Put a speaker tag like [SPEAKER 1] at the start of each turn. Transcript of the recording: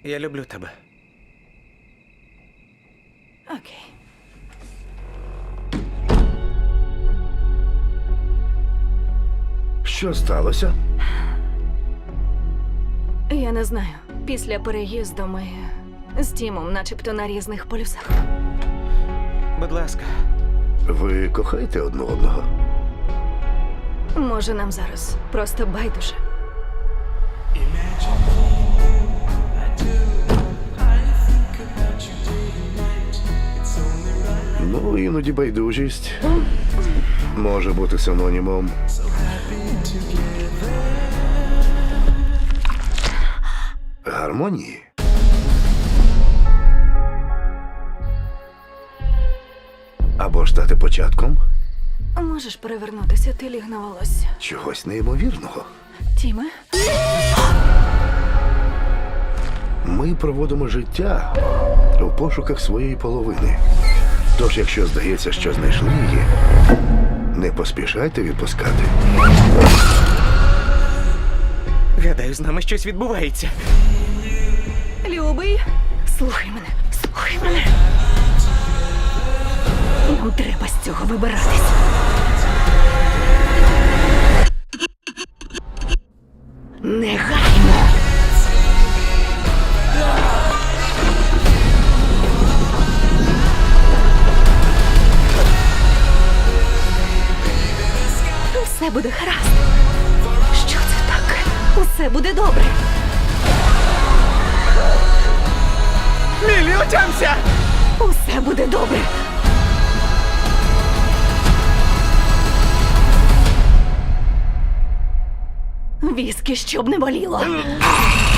[SPEAKER 1] Я люблю тебе.
[SPEAKER 2] Окей.
[SPEAKER 3] Що сталося?
[SPEAKER 2] Я не знаю. Після переїзду ми з Тімом начебто на різних полюсах.
[SPEAKER 1] Будь ласка.
[SPEAKER 3] Ви кохаєте одне одного?
[SPEAKER 2] Може, нам зараз просто байдуже.
[SPEAKER 3] Ну, іноді байдужість може бути синонімом гармонії. Або ж стати початком
[SPEAKER 2] Можеш перевернутися, ти ліг на волосся.
[SPEAKER 3] чогось неймовірного.
[SPEAKER 2] Тіме?
[SPEAKER 3] Ми проводимо життя у пошуках своєї половини. Тож, якщо здається, що знайшли її, не поспішайте відпускати.
[SPEAKER 1] Гадаю, з нами щось відбувається.
[SPEAKER 2] Любий, слухай мене, слухай мене. Нам треба з цього вибиратись. Негайно. Все буде гаразд. Що це таке? Усе буде добре.
[SPEAKER 1] Мілі, отямся!
[SPEAKER 2] Усе буде добре. Віскі, щоб не боліло.